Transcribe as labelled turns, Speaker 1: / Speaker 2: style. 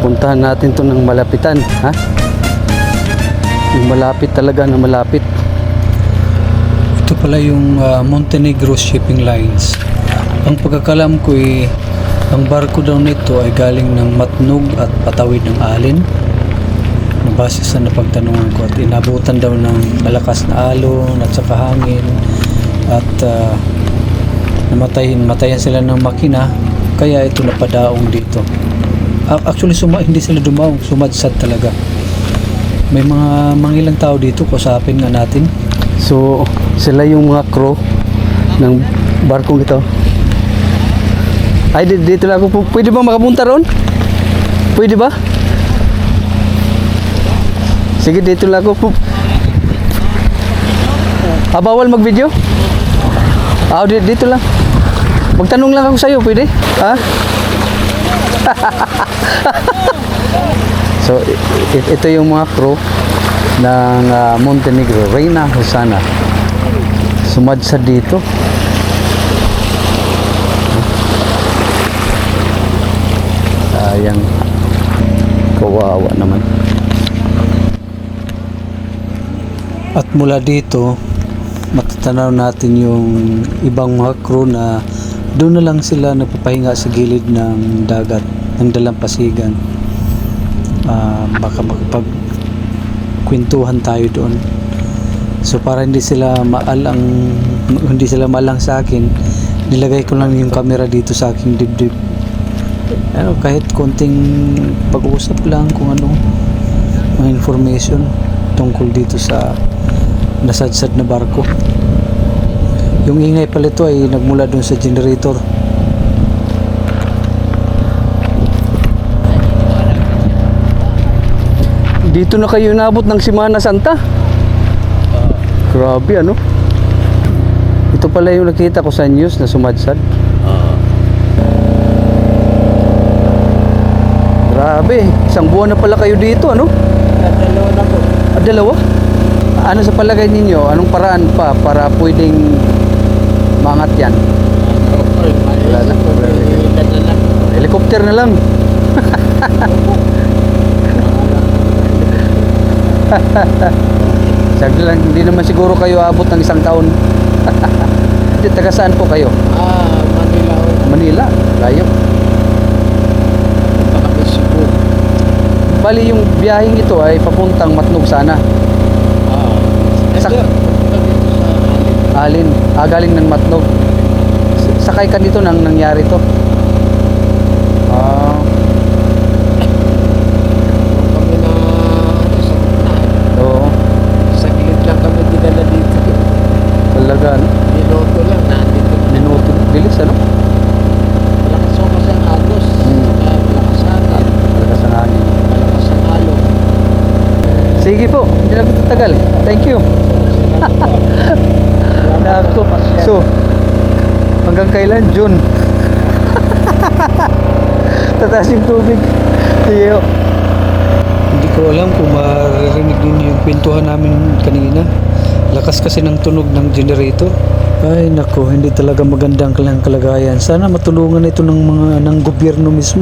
Speaker 1: Puntahan natin to ng malapitan, ha? Yung malapit talaga na malapit.
Speaker 2: Ito pala yung Montenegro Shipping Lines. Ang pagkakalam ko ang barko daw nito ay galing ng Matnog at patawid ng Alin. Base sa napagtanungan ko, at inabutan daw ng malakas na alon at saka hangin at namatayan sila ng makina, kaya ito napadaong dito. Actually hindi sila dumaong, sumadsad talaga. May mga mangilang tao dito, kusapin nga natin.
Speaker 1: So, sila yung mga crew ng barkong ito. Ay, dito lang ako. Pwede ba makapunta ron? Pwede ba? Sige, dito lang ako. Bawal mag-video? Dito lang. Magtanong lang ako sa'yo, pwede? Ha? So, ito yung mga crew ng Montenegro, Reina Hosana. Sumadsad dito. Sayang. Kawawa naman.
Speaker 2: At mula dito, matatanaw natin yung ibang mga crew na doon na lang sila nagpapahinga sa gilid ng dagat, ng dalampasigan. Baka makapagkwentuhan tayo doon. So para hindi sila maalang sa akin, nilagay ko lang yung camera dito sa aking dibdib. Kahit konting pag-uusap lang kung ano, mga information tungkol dito sa nasadsad na barko. Yung ingay pala ito ay nagmula doon sa generator.
Speaker 1: Dito na kayo inabot ng Semana Santa? Grabe, ano? Ito pala yung nakita ko sa news na sumadsad. Grabe, isang buwan na pala kayo dito, ano?
Speaker 3: Dalawa na po.
Speaker 1: Dalawa? Ano sa palagay ninyo? Anong paraan pa para pwedeng mangat yan? Wala na. Helicopter na lang. Sagli lang, hindi naman siguro kayo abot ng isang taon. Hindi, taga saan po kayo?
Speaker 3: Manila ho.
Speaker 1: Manila, layo.
Speaker 3: Baka Cebu.
Speaker 1: Bali yung biyaheng ito ay papuntang Matnog sana.
Speaker 3: Dito sa
Speaker 1: Alin,
Speaker 3: Alin.
Speaker 1: galing ng Matnog. Sakay ka dito nang nangyari to.
Speaker 3: Kami na sa gitna.
Speaker 1: Oo,
Speaker 3: Sa gilid lang kami dinala dito.
Speaker 1: talaga, ano?
Speaker 3: Minuto lang nandito.
Speaker 1: Minuto, bilis, ano?
Speaker 3: Malakas ho kasi ang agos. Malakas ang hangin.
Speaker 1: Talaga sa hangin.
Speaker 3: Malakas ang alon.
Speaker 1: Sige po, hindi na ko tatagal. Thank you. Nako. So, hanggang kailan? June. Tataas yung tubig. Sige ho.
Speaker 2: Hindi ko alam kung maririnig din yung kwentuhan namin kanina. Lakas kasi ng tunog ng generator. Ay nako, hindi talaga magandang kalagayan. Sana matulungan ito ng gobyerno mismo.